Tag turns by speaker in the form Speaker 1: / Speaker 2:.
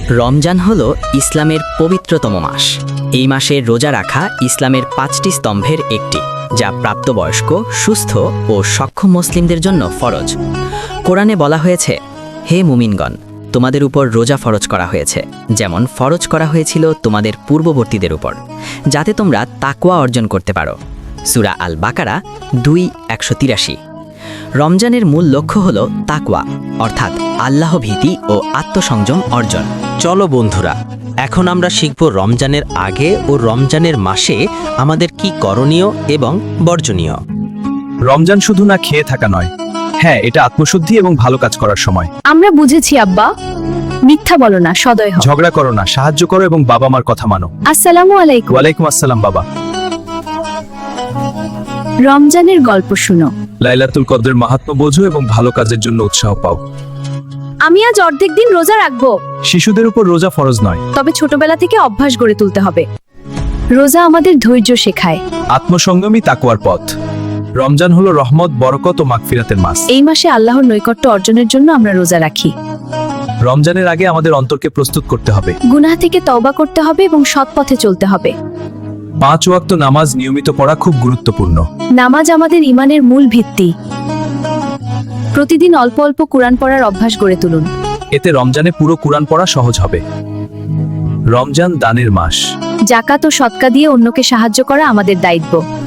Speaker 1: রমজান হল ইসলামের পবিত্রতম মাস। এই মাসে রোজা রাখা ইসলামের 5টি স্তম্ভের একটি, যা প্রাপ্তবয়স্ক, সুস্থ ও সক্ষম মুসলিমদের জন্য ফরজ। কোরআনে বলা হয়েছে, হে মুমিনগণ, তোমাদের উপর রোজা ফরজ করা হয়েছে, যেমন ফরজ করা হয়েছিল তোমাদের পূর্ববর্তীদের উপর, যাতে তোমরা তাকওয়া অর্জন করতে পারো। সূরা আল বাকারা 2:183। রমজানের মূল লক্ষ্য হল তাকওয়া, অর্থাৎ আল্লাহ ভীতি ও আত্মসংযম অর্জন।
Speaker 2: চলো বন্ধুরা, এখন আমরা শিখব রমজানের আগে ও রমজানের মাসে আমাদের কি করণীয় এবং বর্জনীয়।
Speaker 3: রমজান শুধু না খেয়ে থাকা নয়, হ্যাঁ, এটা আত্মশুদ্ধি এবং ভালো কাজ করার সময়।
Speaker 4: আমরা বুঝেছি আব্বা, মিথ্যা বলো না, সদয় হও।
Speaker 3: ঝগড়া করো না, সাহায্য করো এবং বাবা মার কথা মানো।
Speaker 4: আসসালামু আলাইকুম।
Speaker 3: ওয়ালাইকুম আসসালাম বাবা।
Speaker 4: রমজানের গল্প শুনো।
Speaker 3: লাইলাতুল কদরের মাহাত্ম্য বোঝো এবং ভালো কাজের জন্য উৎসাহ পাও।
Speaker 4: আমি আজ অর্ধেক দিন রোজা রাখবো।
Speaker 3: শিশুদের উপর রোজা ফরজ নয়,
Speaker 4: তবে ছোটবেলা থেকে অভ্যাস গড়ে তুলতে হবে। রোজা আমাদের ধৈর্য শেখায়।
Speaker 3: আত্মসংযমী তাকওয়ার পথ। রমজান হলো রহমত, বরকত ও মাগফিরাতের মাস।
Speaker 4: এই মাসে আল্লাহর নৈকট্য অর্জনের জন্য আমরা রোজা রাখি।
Speaker 3: রমজানের আগে আমাদের অন্তরকে প্রস্তুত করতে হবে।
Speaker 4: গুনাহ থেকে তওবা করতে হবে এবং সৎ পথে চলতে হবে।
Speaker 3: 5 ওয়াক্ত নামাজ নিয়মিত পড়া খুব গুরুত্বপূর্ণ।
Speaker 4: নামাজ আমাদের ঈমানের মূল ভিত্তি। প্রতিদিন অল্প অল্প কুরআন পড়ার অভ্যাস গড়ে তুলুন।
Speaker 3: এতে রমজানে পুরো কুরআন পড়া সহজ হবে। রমজান দানের মাস।
Speaker 4: জাকাত ও সদকা দিয়ে অন্যকে সাহায্য করা আমাদের দায়িত্ব।